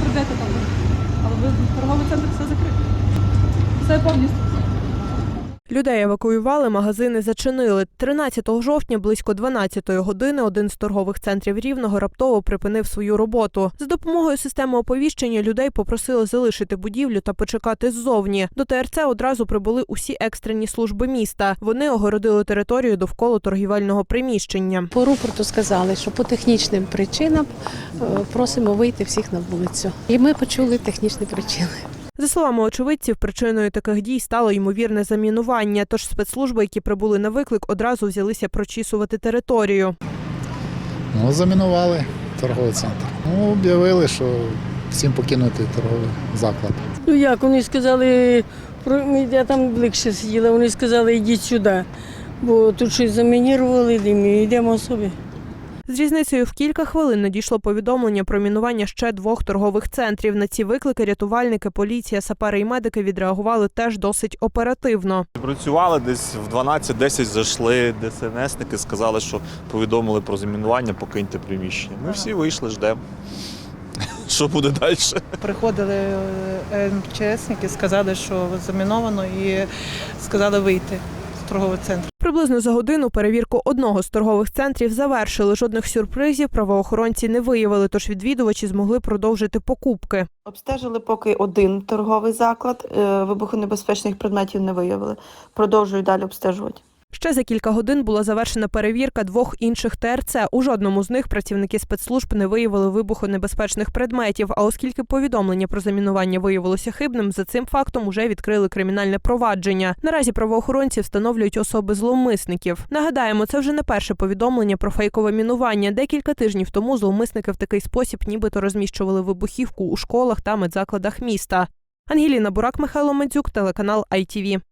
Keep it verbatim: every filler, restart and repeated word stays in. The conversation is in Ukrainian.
йдете там, але ви торговий центр все закритий. Все повністю. Людей евакуювали, магазини зачинили. тринадцятого жовтня близько дванадцятої години один з торгових центрів Рівного раптово припинив свою роботу. За допомогою системи оповіщення людей попросили залишити будівлю та почекати ззовні. До ТРЦ одразу прибули усі екстрені служби міста. Вони огородили територію довкола торгівельного приміщення. По рупорту сказали, що по технічним причинам просимо вийти всіх на вулицю. І ми почули технічні причини. За словами очевидців, причиною таких дій стало ймовірне замінування, тож спецслужби, які прибули на виклик, одразу взялися прочісувати територію. Ну, замінували торговий центр. Ну, об'явили, що всім покинути торговий заклад. Ну як, вони сказали, я там ближче сиділа, вони сказали, йдіть сюди, бо тут щось замінірували, і йдемо собі. З різницею в кілька хвилин надійшло повідомлення про мінування ще двох торгових центрів. На ці виклики рятувальники, поліція, сапери і медики відреагували теж досить оперативно. Працювали десь в дванадцять десять зайшли ДСНСники, сказали, що повідомили про замінування, покиньте приміщення. Ми всі вийшли, ждемо. Що буде далі? Приходили МЧСники, сказали, що заміновано, і сказали вийти з торгового центру. Приблизно за годину перевірку одного з торгових центрів завершили. Жодних сюрпризів правоохоронці не виявили, тож відвідувачі змогли продовжити покупки. Обстежили поки один торговий заклад, вибухонебезпечних предметів не виявили. Продовжують далі обстежувати. Ще за кілька годин була завершена перевірка двох інших ТРЦ. У жодному з них працівники спецслужб не виявили вибухонебезпечних предметів. А оскільки повідомлення про замінування виявилося хибним, за цим фактом уже відкрили кримінальне провадження. Наразі правоохоронці встановлюють особи зловмисників. Нагадаємо, це вже не перше повідомлення про фейкове мінування. Декілька тижнів тому зловмисники в такий спосіб нібито розміщували вибухівку у школах та медзакладах міста. Ангеліна Бурак, Михайло Мандзюк, телеканал ай ті ві.